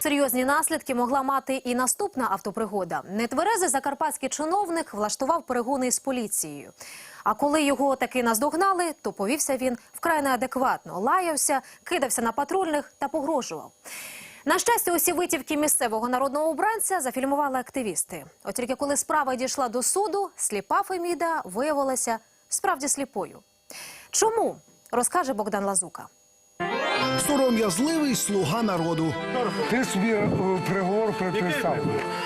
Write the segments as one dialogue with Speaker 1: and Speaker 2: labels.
Speaker 1: Серйозні наслідки могла мати і наступна автопригода. Нетверезий закарпатський чиновник влаштував перегони із поліцією. А коли його таки наздогнали, то повівся він вкрай неадекватно. Лаявся, кидався на патрульних та погрожував. На щастя, усі витівки місцевого народного обранця зафільмували активісти. От тільки коли справа дійшла до суду, сліпа Феміда виявилася справді сліпою. Чому? Розкаже Богдан Лазука.
Speaker 2: Сором'язливий слуга народу.
Speaker 3: Ти собі приговор приписав.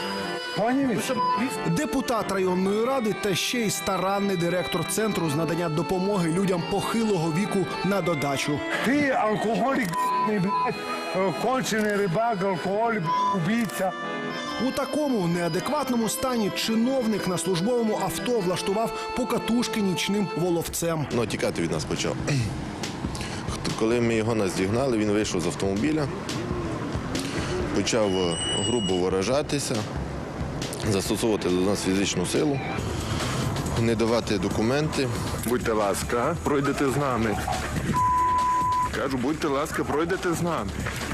Speaker 2: Депутат районної ради та ще й старанний директор центру з надання допомоги людям похилого віку на додачу.
Speaker 3: Ти алкоголік, кончений рибак, алкоголік, убійця.
Speaker 2: У такому неадекватному стані чиновник на службовому авто влаштував покатушки нічним воловцем.
Speaker 4: Тікати від нас почав. Коли ми його наздігнали, він вийшов з автомобіля, почав грубо виражатися, застосовувати до нас фізичну силу, не давати документи.
Speaker 5: Будьте ласка, пройдете з нами. Кажу, будьте ласка, пройдете з нами.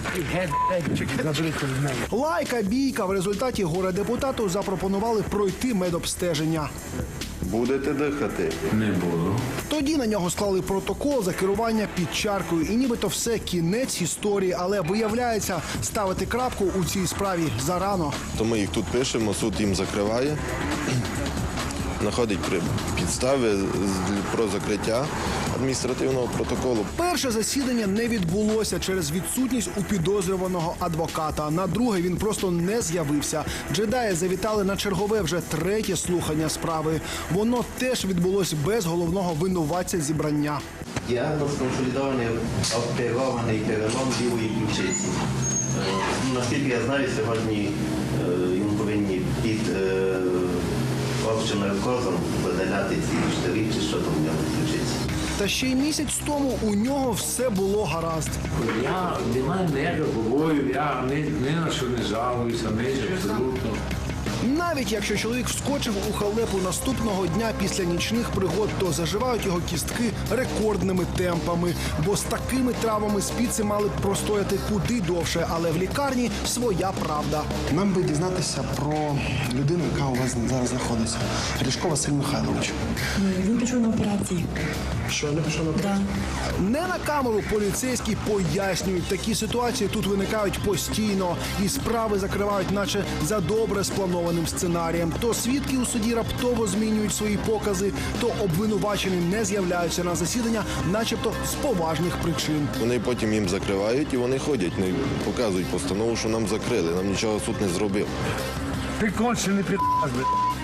Speaker 2: Лайка, бійка. В результаті горе-депутату запропонували пройти медобстеження.
Speaker 4: Будете дихати?
Speaker 5: Не буду.
Speaker 2: Тоді на нього склали протокол за керування під чаркою. І нібито все, кінець історії. Але виявляється, ставити крапку у цій справі зарано.
Speaker 4: То ми їх тут пишемо, суд їм закриває, знаходить підстави про закриття адміністративного протоколу.
Speaker 2: Перше засідання не відбулося через відсутність у підозрюваного адвоката. На друге він просто не з'явився. Джедаї завітали на чергове вже третє слухання справи. Воно теж відбулось без головного винуватця зібрання.
Speaker 6: Діагноз консолідований обтягований перелом лівої ключиці. Наскільки я знаю, сьогодні йому повинні під общим наркозом видаляти ці штирі, чи що там в нього ключиці.
Speaker 2: Та ще й місяць тому у нього все було гаразд.
Speaker 7: Я не маю ніякого бою, я ні на що не жалуюся, абсолютно.
Speaker 2: Навіть якщо чоловік вскочив у халепу наступного дня після нічних пригод, то заживають його кістки рекордними темпами. Бо з такими травмами спіци мали б простояти куди довше, але в лікарні своя правда.
Speaker 8: Нам би дізнатися про людину, яка у вас зараз знаходиться. Ріжко Василь Михайлович.
Speaker 9: Він пішов на операцію.
Speaker 8: Що, не пішов на операцію?
Speaker 2: Не на камеру поліцейські пояснюють, такі ситуації тут виникають постійно. І справи закривають наче за добре спланованим сценарієм. То свідки у суді раптово змінюють свої покази, то обвинувачені не з'являються на засідання, начебто з поважних причин.
Speaker 4: Вони потім їм закривають і вони ходять, не показують постанову, що нам закрили, нам нічого суд не зробив.
Speaker 3: Ти кончений під'їзд.